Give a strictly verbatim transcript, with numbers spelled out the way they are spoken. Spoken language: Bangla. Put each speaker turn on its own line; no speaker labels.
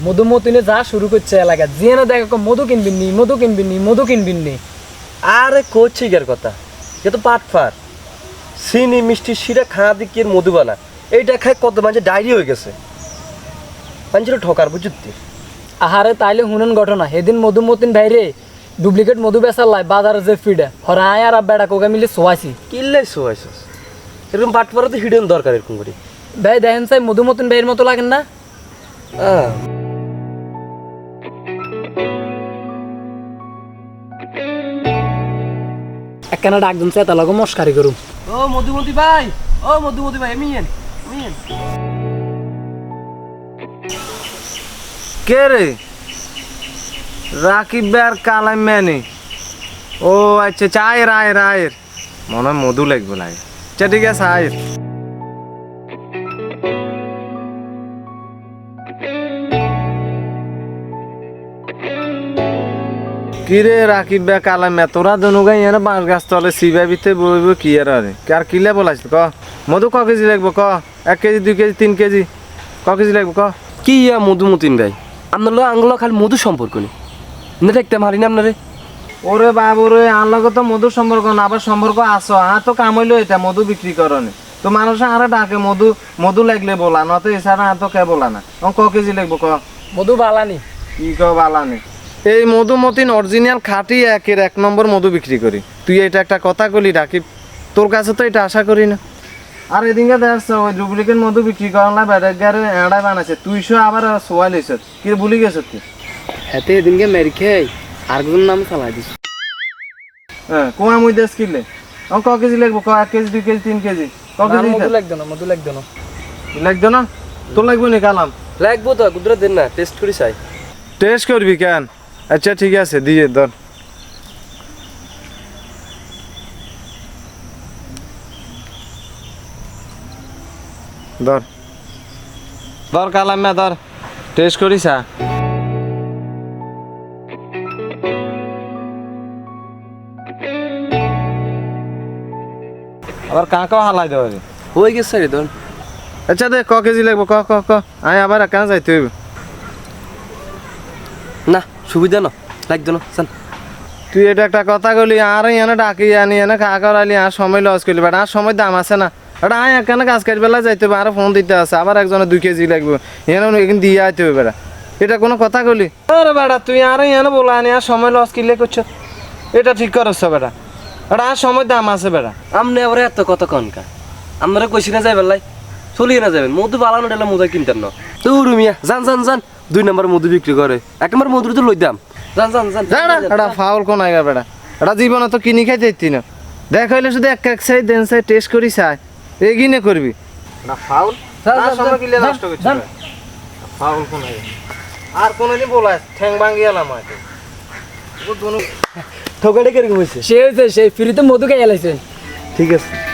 মধুমতিনে যা শুরু করছে এলাকা যে না দেখো মধু কিনবিন নি মধু কিনবিন নি মধু কিনবিন নি।
আরে করছি গের কথা এ তো পাটফার চিনি মিষ্টি শিরা খাওয়া দিকে এর মধু বানা এইটা খায় কত মানুষের ডায়রি হয়ে গেছে মানুষের ঠকার বুঝুতি।
আহারে তাইলে হুনন ঘটনা সেদিন মধুমতিন ভাইরে ডুপ্লিকেট মধু বেচার লাই বাজারে যে ফিডে হরায় আর বেড়া কোকা মিলে শোয়াছি
কিল্লাই শোয়াইছস এরকম পাটফারে তো হিডেন দরকার এরকম করে।
ভাই দেখেন চাই মধুমতিন ভাইয়ের মতো লাগেন না?
হ্যাঁ
একখানা ডাক দিন চেতা লাগো মস্কারি করুম।
ও মধুমতি ভাই ও মধুমতি ভাই এমিয়েন এমিয়েন
কে রে রাকিব আর কালাই মেনে ও আচ্ছা চায়ের আয়ের আয়ের মনে হয় মধু লাগবে লাগে আচ্ছা ঠিক আছে আয়ের কিরে রাকিব বে কালাই মে তোরা দনুগাই এনে বাঁশ গাছ তলে সিবাবিতে বইব কি আর আরে আর কিলে বলাইছ ক মধু ক কেজি লাগবে ক এক কেজি দুই কেজি তিন কেজি ক কেজি লাগবে ক
কি ইয়া মধুমতিন ভাই আপনার লোক আঙ্গুলো খালি মধু সম্পর্ক নেই না দেখতে মারি না আপনারে।
ওরে বাবু রে আনলগে তো মধুর সম্পর্ক না আবার সম্পর্ক আসো আর তো কামাইলো এটা মধু বিক্রি করনে তো মানুষ আরে ডাকে মধু মধু লাগলে বলা না তো এছাড়া আর তো কে বলা না ক কেজি লাগবো ক
মধু বালানি
কি ক বালানে এই মধুমতিন অরিজিনাল খাঁটি একের এক নম্বর মধু বিক্রি করি তুই এটা একটা কথা কলি রাকিব তোর কাছে তো এটা আশা করি না। আর এদিকে দেখছ ওই ডুপ্লিকেট মধু বিক্রি করা বেড়ে এড়াই বানাইছে তুইশো আবার সোয়াই লইছ কি ভুলি গেছ তুই
হাতে এদিনকে মেরি খেয়ে আর কোন নাম চালাই দিস।
হ্যাঁ কুয়া মুই দেশ কিনলে ক কেজি লাগবো ক এক কেজি দুই কেজি তিন কেজি ক কেজি
মধু লাগতো না মধু লাগতো না
লাগতো না তোর লাগবে নি কালাম
লাগবো তো কুদরত দেন না টেস্ট করি চাই।
টেস্ট করবি কেন আচ্ছা ঠিক আছে দিয়ে ধর ধর ধর কালাম না ধর টেস্ট করিস আবার কাঁকাও হালাই দেওয়া
হয়ে গেছে রে ধর।
আচ্ছা দে ক কেজি লাগবো ক ক ক আয় আবার কেন যাইতে হইব
না সুবিধা না লাগতো না চান
তুই এটা একটা কথা কলি আর এনে ডাকি আনি এনে খা করালি আর সময় লস করলি বেটা আর সময় দাম আছে না এটা আয় একখানে কাজ কাজ বেলা যাইতে হবে আর ফোন দিতে আছে আবার একজনে দুই কেজি লাগবে এনে এখানে দিয়ে আইতে হবে বেটা এটা কোনো কথা কলি আরে বেটা তুই আর এনে বলা আনি আর সময় লস কিনলে করছো এটা ঠিক করছ বেটা এটা আর সময় দাম আছে বেটা
আমনে আবার এত কত কনকা আপনারা কইছি না যাইবেন লাই চলিয়ে না যাবেন মধু বালানো ডেলা মধু কিনতেন না তো রুমিয়া যান যান যান দুই নম্বর মধু বিক্রি করে এক নম্বর মধু তো লই দাম যান যান যান
এটা ফাউল কোন আইগা বেটা এটা জীবনে তো কিনি খাইতে দিতি না দেখ হইলে শুধু এক এক সাইড দেন সাইড টেস্ট করি চাই এগিনে করবি না ফাউল আর সময় কিলে নষ্ট করছিস ফাউল কোন আইগা আর কোনদিন বলাস ঠ্যাং ভাঙি এলাম হয়তো ও দোনো
ঠকাটা কিরকম হয়েছে
সে হয়েছে সেই ফ্রিতে মধু খেয়ে এলাইছে।
ঠিক আছে।